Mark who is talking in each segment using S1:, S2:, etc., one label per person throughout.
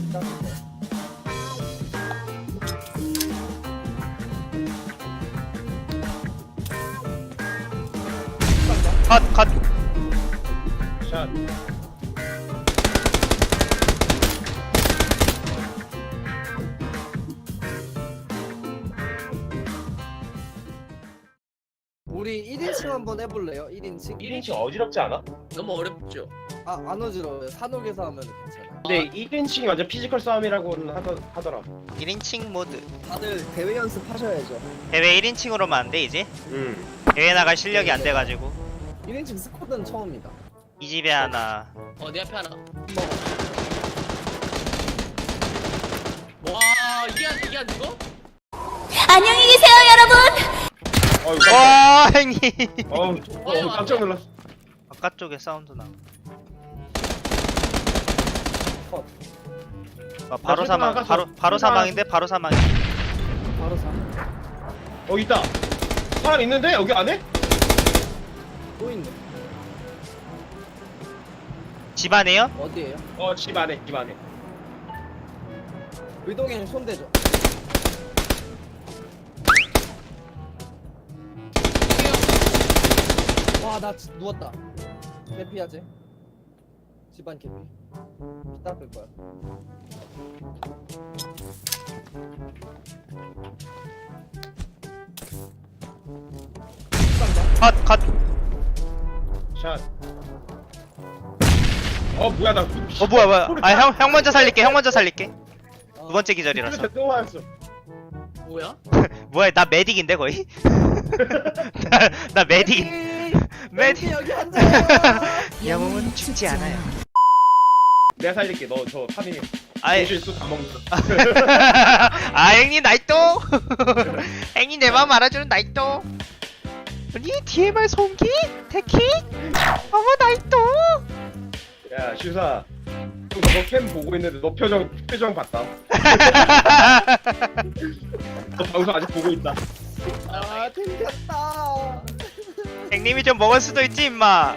S1: 컷.
S2: 샷.
S3: 우리 1인칭 한번 해볼래요? 1인칭?
S2: 1인칭 어지럽지 않아?
S4: 너무 어렵죠.
S3: 안 어지러워요. 산옥에서 하면 괜찮아.
S2: 근데 1인칭이 완전 피지컬 싸움이라고는 하더라.
S1: 1인칭 모드.
S3: 다들 대회 연습하셔야죠.
S1: 대회 1인칭으로만 안 돼 이제? 대회 나갈 실력이 안 돼가지고.
S3: 1인칭 스쿼드는 처음이다.
S1: 이 집에 하나.
S4: 내 앞에 하나.
S3: 먹어.
S4: 와, 이게 안 죽어?
S5: 안녕히 계세요, 여러분.
S2: 어휴,
S1: 와 형님.
S2: 깜짝 놀랐어.
S1: 바깥쪽에 사운드 나.
S3: 컷.
S1: 바로 사망. 바로 사망인데 바로 사망.
S3: 바로 사.
S2: 있다. 사람 있는데 여기 안에?
S3: 또 있네.
S1: 집 안에요?
S3: 어디에요?
S2: 집 안에.
S3: 의동형 손대죠. 와, 나 누웠다. 개피하지? 집안 개피. 피 닦을 거야.
S1: 컷.
S2: 샷. 뭐야 나.
S1: 뭐야. 아 형 먼저 살릴게. 두 번째 기절이라서.
S2: 또 왔어.
S4: 뭐야?
S1: 뭐야 나 메딕인데 거의? 나 메딕.
S3: 메디 여기 앉아요.
S1: 영웅은 죽지 않아요.
S2: 내가 살릴게. 너 저 파밍해.
S1: 아이.
S2: 실수 다 먹는다.
S1: 아 형님 나이또. 형님 내 마음 알아주는 나이또. 아니 DMR 송기? 테키? 어머 나이또.
S2: 야 슈사. 너 캠 보고 있는데 너 표정 봤다. 너 방송 아직 보고 있다.
S3: 아, 튕겼다.
S1: 형님이 좀 먹을 수도 있지 임마.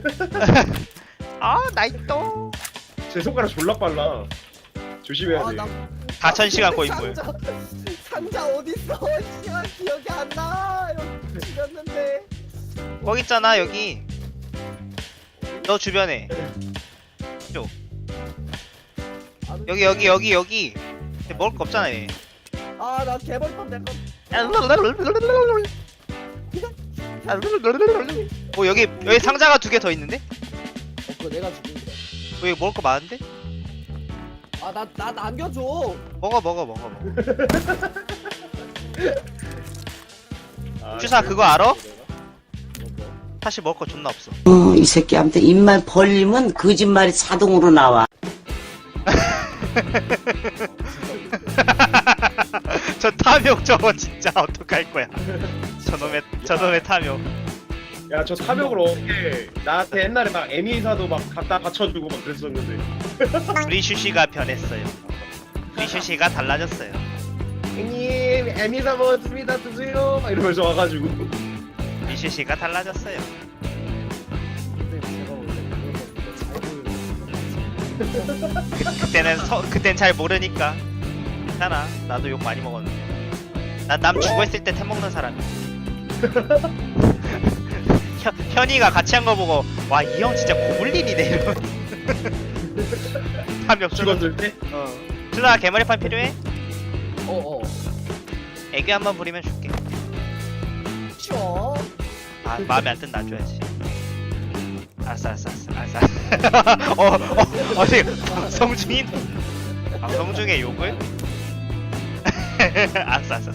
S1: 아 나이또.
S2: 제 손가락 졸라 빨라. 조심해야 돼.
S1: 4000시간 고인물.
S3: 상자 어딨어? 시간 기억이 안 나. 여기 죽였는데.
S1: 거기 있잖아 여기. 너 주변에. 쪽. 여기. 먹을 거 없잖아 얘.
S3: 아, 나 개벌판 내거.
S1: 여기 상자가 2개 더 있는데?
S3: 그거 내가 죽인 거.
S1: 여기 먹을 거 많은데?
S3: 아, 나 남겨줘.
S1: 먹어. 주사 그거 알아? 사실 먹을 거 존나 없어.
S6: 이 새끼한테 입만 벌리면 거짓말이 자동으로 나와.
S1: 저 탐욕 저거 진짜 어떡할 거야. 저놈의 탐욕.
S2: 야 저 탐욕을 어떻게 나한테 옛날에 막 에미사도 막 갖다 받쳐주고 막 그랬었는데.
S1: 우리 슈시가 변했어요. 우리 슈시가 달라졌어요.
S2: 형님 에미사 먹었습니다 드세요 막 이러면서 와가지고.
S1: 우리 슈시가 달라졌어요.
S3: 근데 제가 원래 그거 잘
S1: 그땐 잘 모르니까. 괜찮아. 나도 욕 많이 먹었는데. 난 남 죽어있을 때 템 먹는 사람이야. 현이가 같이 한 거 보고 와 이 형 진짜 고블린이네 이러면. 탐욕
S2: 죽었을 때?
S1: 준아 개머리판 필요해? 애교 한번 부리면 줄게.
S3: 쉬워.
S1: 아 마음에 안 든다 놔줘야지. 알았어. 어디 방송 중에 욕을? 알았어.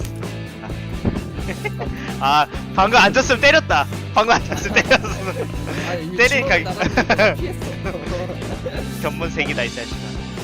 S1: 아 방금 앉았으면 때렸다.
S3: 아니,
S1: 때리니까
S3: 나가서 피했어.
S1: 견문색이다 이 자식아.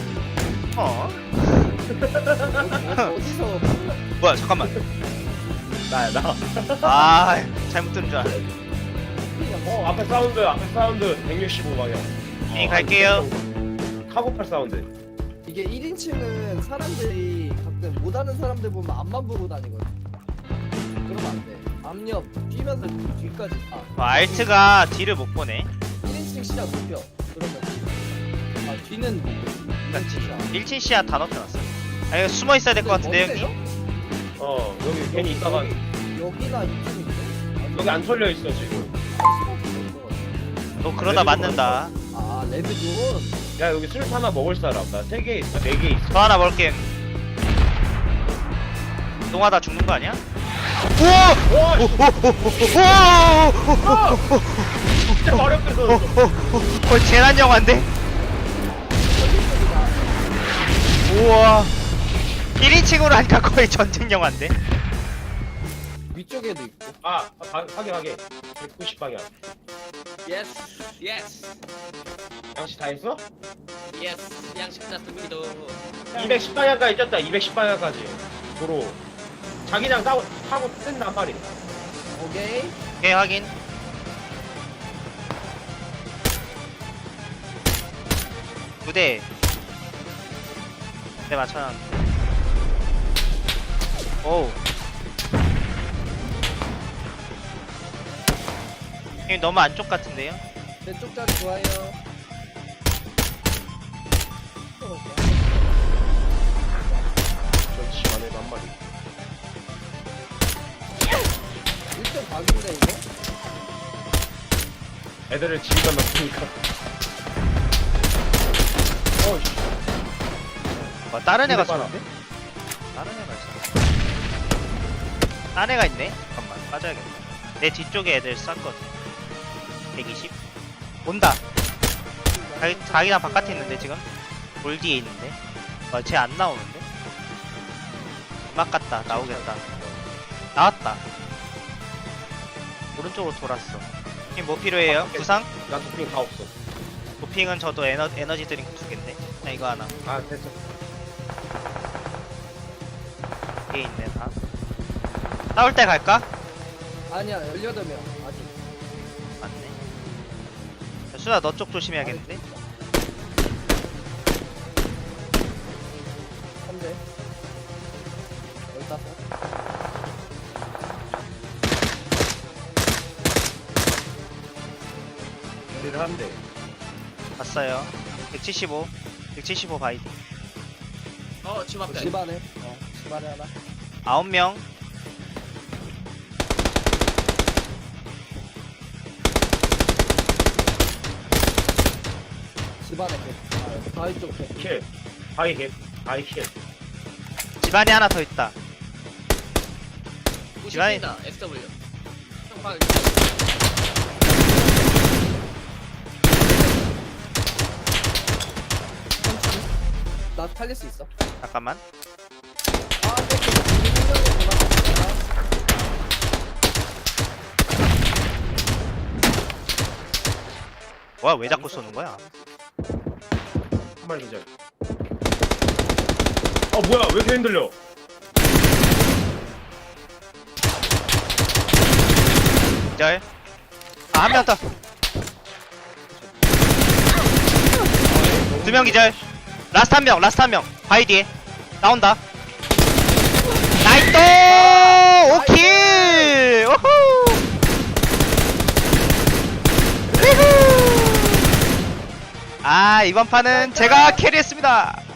S3: 어디서
S1: 뭐야 잠깐만.
S2: 나야 나.
S1: 아 잘못 들은 줄 알아.
S2: 앞에 사운드 165방향.
S1: 네, 갈게요.
S2: 카고팔 사운드.
S3: 이게 1인칭은 사람들이 가끔 못하는 사람들 보면 앞만 보고 다니거든. 그러면 안 돼. 앞옆 뛰면서 뒤까지 다.
S1: 알트가 뒤를 못 보네.
S3: 1인칭 시작 눕혀. 그러면 뒤는 보고. 진짜.
S1: 1층 시야 다 넣어놨어. 아 이거 숨어 있어야 될 것 같은데 형님.
S2: 여기 괜히 있다가
S3: 여기나 이쪽인데?
S2: 여기 안 털려 있어 지금.
S1: 너 그러다 맞는다.
S3: 아 레드존.
S2: 야 여기 술 하나 먹을 사람 나 3개 있어 4개 있어.
S1: 저 하나 먹을게. 동하다 죽는 거 아니야? 우와!
S2: 와
S1: 우와!
S2: 진짜 어렵게 써.
S1: 거의 재난 영화인데? 우와. 1인칭으로 하니까 거의 전쟁 영화인데?
S3: 위쪽에도 있고.
S2: 하게 190방향.
S4: 예스 예스
S2: 양치 다 했어?
S4: 예스 양식 났습니다.
S2: 210방향까지 쪘다 210방향까지 도로 자기장 타고 뜬단 말이야.
S3: 오케이.
S1: 오케이 확인. 부대 맞춰놨는데. 오우. 형님 너무 안쪽 같은데요?
S3: 왼쪽 자리 좋아요.
S2: 저 집 안에도 한 마리.
S3: 1점 각인데 이거?
S2: 애들을 집에다 넣으니까. 어이씨.
S1: 다른 애가
S2: 봐라.
S1: 쏘는데? 다른 애가 있어. 딴 애가 있네? 잠깐만 빠져야겠네. 내 뒤쪽에 애들 쐈거든. 120? 온다. 자기랑 바깥에 있는데 지금? 돌 뒤에 있는데? 쟤 안 나오는데? 막 갔다. 나오겠다. 나왔다. 오른쪽으로 돌았어. 형님 뭐 필요해요? 구상?
S2: 나 도핑 다 없어.
S1: 도핑은 저도 에너지 드링크 2개인데. 나 이거 하나.
S2: 아 됐어.
S1: 뒤에 있네 다. 싸울 때 갈까?
S3: 아니야 18명 아직.
S1: 맞네. 수아 너 쪽 조심해야겠는데?
S3: 3대. 15.
S2: 우리를 한대.
S1: 봤어요. 175 바이디.
S4: 집 앞에.
S3: 집안에. 집안에 하나.
S1: 9명.
S3: 집안에 개. 바위 쪽 개.
S2: 킬. 바이 킬. 바이 킬.
S1: 집안에 하나 더 있다. 지환이-
S4: 우시다 SW. 형 방.
S3: 나 살릴 수 있어.
S1: 잠깐만.
S3: 아, 땡겨. 우리 생각에 전화.
S1: 뭐야 왜 자꾸 쏘는 거야?
S2: 한 마리 기절. 뭐야 왜 이렇게 흔들려?
S1: 기절. 한 명 더. 2명 기절. 라스트 한 명. 바이디에. 나온다. 나이스! 오킬! 오호! 우후! 아, 이번 판은 제가 캐리했습니다.